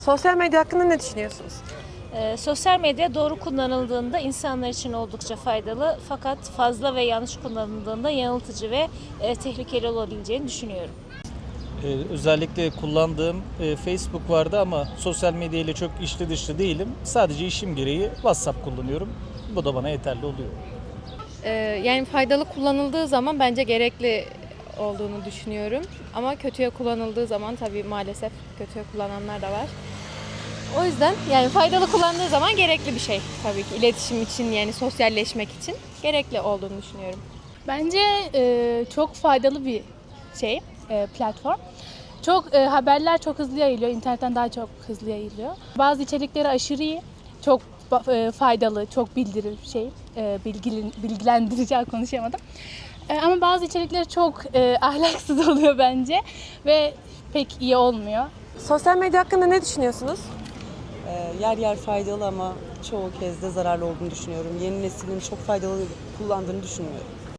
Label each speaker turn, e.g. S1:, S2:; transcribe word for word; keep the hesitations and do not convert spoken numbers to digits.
S1: Sosyal medya hakkında ne düşünüyorsunuz?
S2: E, sosyal medya doğru kullanıldığında insanlar için oldukça faydalı, fakat fazla ve yanlış kullanıldığında yanıltıcı ve e, tehlikeli olabileceğini düşünüyorum.
S3: Ee, özellikle kullandığım e, Facebook vardı ama sosyal medya ile çok içli dışlı değilim. Sadece işim gereği WhatsApp kullanıyorum. Bu da bana yeterli oluyor.
S4: Ee, yani faydalı kullanıldığı zaman bence gerekli olduğunu düşünüyorum. Ama kötüye kullanıldığı zaman tabii maalesef kötüye kullananlar da var. O yüzden yani faydalı kullandığı zaman gerekli bir şey tabii ki. İletişim için, yani sosyalleşmek için gerekli olduğunu düşünüyorum.
S5: Bence e, çok faydalı bir şey, e, platform. Çok e, haberler çok hızlı yayılıyor, internetten daha çok hızlı yayılıyor. Bazı içerikleri aşırı iyi, çok e, faydalı, çok bildirir şey, e, bilgilin, bilgilendirici konuşamadım. E, ama bazı içerikleri çok e, ahlaksız oluyor bence ve pek iyi olmuyor.
S1: Sosyal medya hakkında ne düşünüyorsunuz?
S6: Ee, yer yer faydalı ama çoğu kez de zararlı olduğunu düşünüyorum. Yeni neslin çok faydalı kullandığını düşünmüyorum.